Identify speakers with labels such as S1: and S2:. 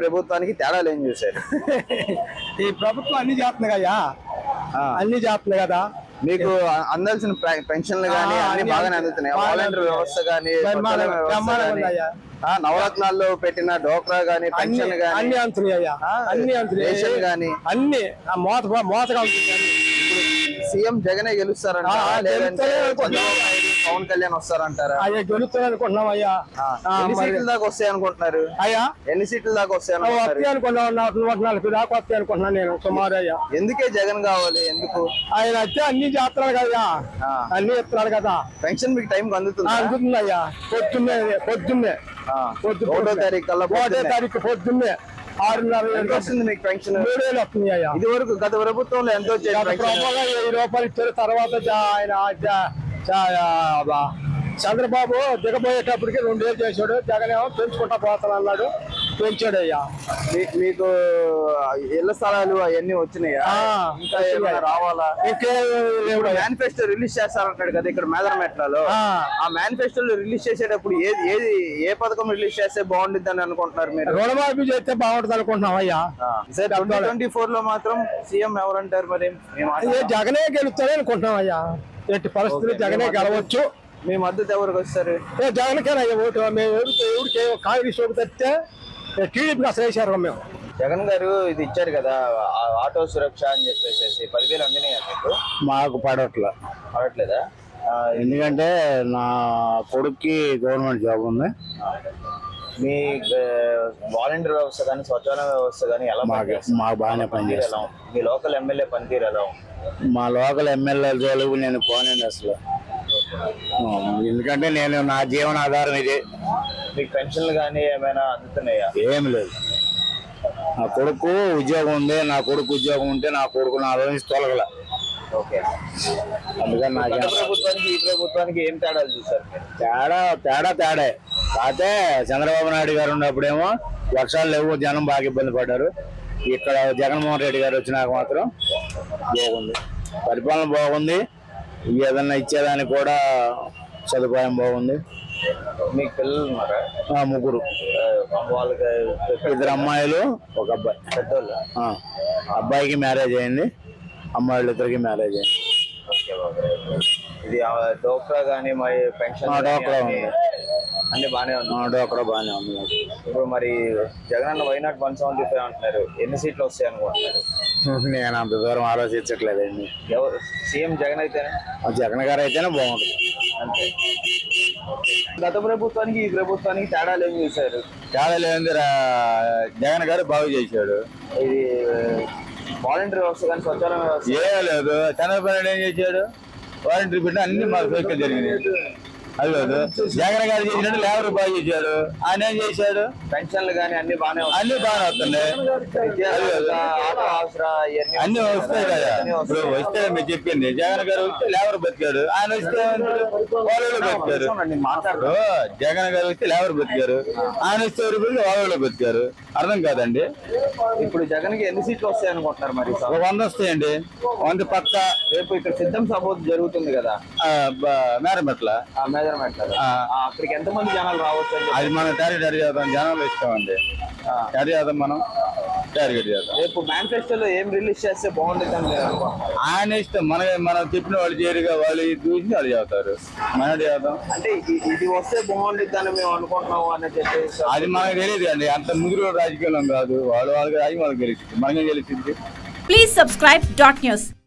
S1: ప్రభుత్వానికి తేడాలు ఏం చూశారు?
S2: ఈ ప్రభుత్వం అన్ని చేస్తుంది కదా, అన్ని చేస్తుంది కదా.
S1: మీకు అందాల్సిన పెన్షన్లు గానీ అన్ని బాగానే అందుతున్నాయి. వాలంటీర్ వ్యవస్థ గానీ, నవరత్నాల్లో పెట్టిన డోక్రా గానీ, పెన్షన్ గానీ
S2: అన్ని అందుతున్నాయ్యా, అన్ని అందుతున్నాయి
S1: గానీ
S2: అన్ని మోతగా ఉంటుంది.
S1: సీఎం జగనే గెలుస్తారంట, లేదంటే పవన్ కళ్యాణ్ వస్తారంటారా?
S2: అయ్యా గెలుస్తాను అనుకుంటున్నాం అయ్యా.
S1: ఎన్ని సీట్ల దాకా వస్తాయి అనుకుంటున్నారు?
S2: అయ్యా
S1: ఎన్ని సీట్ల దాకా వస్తాయి అనుకుంటున్నాను?
S2: 140 దాకా వస్తాయి అనుకుంటున్నాను నేను సుమారు. అయ్యా
S1: ఎందుకే జగన్ కావాలి? ఎందుకు?
S2: ఆయన వచ్చి అన్ని చేస్తున్నాడు కదా, అన్ని ఇస్తున్నాడు కదా.
S1: పెన్షన్ మీకు టైం అందుతుంది?
S2: అందుతుంది అయ్యా. పొద్దున్నే
S1: 1వ తారీఖు కల్లా
S2: 1వ తారీఖు పొద్దున్నే 6:30
S1: ఎంత వస్తుంది మీకు పెన్షన్?
S2: 3,000 వస్తుంది అయ్యా.
S1: ఇది వరకు గత ప్రభుత్వంలో ఎంత వచ్చేది?
S2: 1000 రూపాయలు ఇచ్చారు. తర్వాత ఆయన చంద్రబాబు దిగబోయేటప్పటికి 2,000 చేశాడు. జగన్ ఏమో పెంచుకుంటా పోతాను అన్నాడు, పెంచాడు అయ్యా.
S1: మీకు ఇళ్ల స్థలాలు అవన్నీ వచ్చినాయా? ఇంకా ఏమైనా రావాలా? మేనిఫెస్టో రిలీజ్ చేస్తారంటాడు కదా ఇక్కడ మేదరమెట్లలో. ఆ మేనిఫెస్టోలో రిలీజ్ చేసేటప్పుడు ఏ పథకం రిలీజ్ చేస్తే బాగుంటుంది అని అనుకుంటున్నారు మీరు?
S2: రుణమాఫీ చేస్తే బాగుంటుంది అనుకుంటున్నాం అయ్యా.
S1: 2024 లో మాత్రం సీఎం ఎవరంటారు మరి?
S2: జగనే గెలుస్తాడే అనుకుంటున్నాం అయ్యా. ఎట్టి పరిస్థితులు జగనే గెలవచ్చు.
S1: మీ మద్దతు ఎవరికి వస్తారు?
S2: జగన్కేనయ్యా ఓటు. మేము ఎవరికి కాంగ్రెస్ ఓటు తప్పితే టీడీపీకి అసలు వేసారు. మేము
S1: జగన్ గారు ఇది ఇచ్చారు కదా ఆటో సురక్ష అని చెప్పేసి 10,000 అందినాయా మీకు?
S3: మాకు పడట్లేదా? ఎందుకంటే నా కొడుక్కి గవర్నమెంట్ జాబ్ ఉంది.
S1: మీ వాలంటీర్ వ్యవస్థ కానీ స్వచ్ఛాలయ వ్యవస్థ కానీ ఎలా?
S3: మాకు బాగానే పనిచేస్తాం.
S1: మీ లోకల్ ఎమ్మెల్యే పనితీరు ఎలా?
S3: మా లోకల్ ఎమ్మెల్యే జోలికి నేను పోనండి అసలు. ఎందుకంటే నేను నా జీవనాధారం ఇది.
S1: మీకు పెన్షన్లు కానీ ఏమైనా అందుతున్నాయా?
S3: ఏమి లేదు. నా కొడుకు ఉద్యోగం ఉంది. నా కొడుకు ఉద్యోగం ఉంటే నా కొడుకు నా నుంచి తొలగల. అందుకని నాకు
S1: ప్రభుత్వానికి ఈ ప్రభుత్వానికి ఏం తేడాలు చూసారు?
S3: తేడే కాకపోతే చంద్రబాబు నాయుడు గారు ఉన్నప్పుడేమో వర్షాలు లేవు, జనం బాగా ఇబ్బంది పడ్డారు. ఇక్కడ జగన్మోహన్ రెడ్డి గారు వచ్చినాక మాత్రం బాగుంది, పరిపాలన బాగుంది. ఏదన్నా ఇచ్చేదానికి కూడా సదుపాయం బాగుంది.
S1: మీకు పిల్లలు ఉన్నారా?
S3: 3.
S1: వాళ్ళకి
S3: 2 అమ్మాయిలు 1 అబ్బాయి.
S1: పెద్దోళ్ళు?
S3: అబ్బాయికి మ్యారేజ్ అయింది, అమ్మాయిలు 2కి మ్యారేజ్ అయింది.
S1: ఇది డోక్రా కానీ మరి పెన్షన్
S3: డోక్రా ఉంది,
S1: అన్ని బాగానే ఉంది.
S3: డోక్రా బాగానే ఉంది.
S1: ఇప్పుడు మరి జగన్ అన్న వైనాట్ 175 అంటున్నారు. ఎన్ని సీట్లు వస్తాయి అనుకుంటున్నారు?
S3: నేను అంత దూరం ఆలోచించట్లేదండి.
S1: ఎవరు సీఎం? జగన్ అయితేనే?
S3: జగన్ గారు అయితేనే బాగుంటుంది
S1: అంతే. గత ప్రభుత్వానికి ఈ ప్రభుత్వానికి తేడాలు ఏం చూశారు?
S3: తేడాలు ఏంది? జగన్ గారు బాగు చేశాడు.
S1: ఇది వాలంటీర్ వ్యవస్థ కానీ స్వచ్ఛాలయ వ్యవస్థ
S3: ఏ లేదు. చంద్రబాబు నాయుడు ఏం చేశాడు? వాలంటీర్ పెట్టిన అన్ని మాకు సౌకర్యం జరిగినాయి. అది కాదు జగన్ గారు చేసినట్టు లేబర్ బాగా చేశాడు. ఆయన ఏం చేశాడు?
S1: పెన్షన్లు కానీ అన్ని బాగానే
S3: వస్తున్నాయి. అన్ని వస్తాయి కదా. ఇప్పుడు వస్తే మీరు చెప్పింది జగన్ గారు వస్తే లేబర్ బతికాడు, ఆయన వస్తే వాళ్ళు బతికారు. జగన్ గారు వస్తే లేబర్ బతికారు, ఆయన వస్తే వాళ్ళు బతికారు. అర్థం కాదండి.
S1: ఇప్పుడు జగన్ కి ఎన్ని సీట్లు వస్తాయి అనుకుంటున్నారు మరి?
S3: 100 వస్తాయండి. 100 పక్క.
S1: రేపు ఇక్కడ సిద్ధం సభ జరుగుతుంది కదా
S3: మేరమెట్ల.
S1: అక్కడికి ఎంతమంది జనాలు రావచ్చు?
S3: అది మనం టార్గెట్ చేద్దాం, జనాలు ఇస్తామండి. టార్గెట్ చేద్దాం, మనం టార్గెట్ చేద్దాం.
S1: రేపు మేనిఫెస్టోలో ఏం రిలీజ్ చేస్తే బాగుంటుంది అని
S3: ఆయన ఇష్టం. మనం చెప్పిన వాళ్ళు చేరుగా వాళ్ళు చూసి వాళ్ళు చేస్తారు, మనం చేద్దాం.
S1: అంటే ఇది వస్తే బాగుంటుంది అని మేము అనుకుంటున్నాము అని చెప్పేసి
S3: అది మనకు తెలియదు అండి. అంత ముగ్గురు రాజకీయం కాదు. వాళ్ళకి రాజకీయం వాళ్ళకి గెలిచింది, మనకే గెలిచింది.
S4: Please subscribe .news.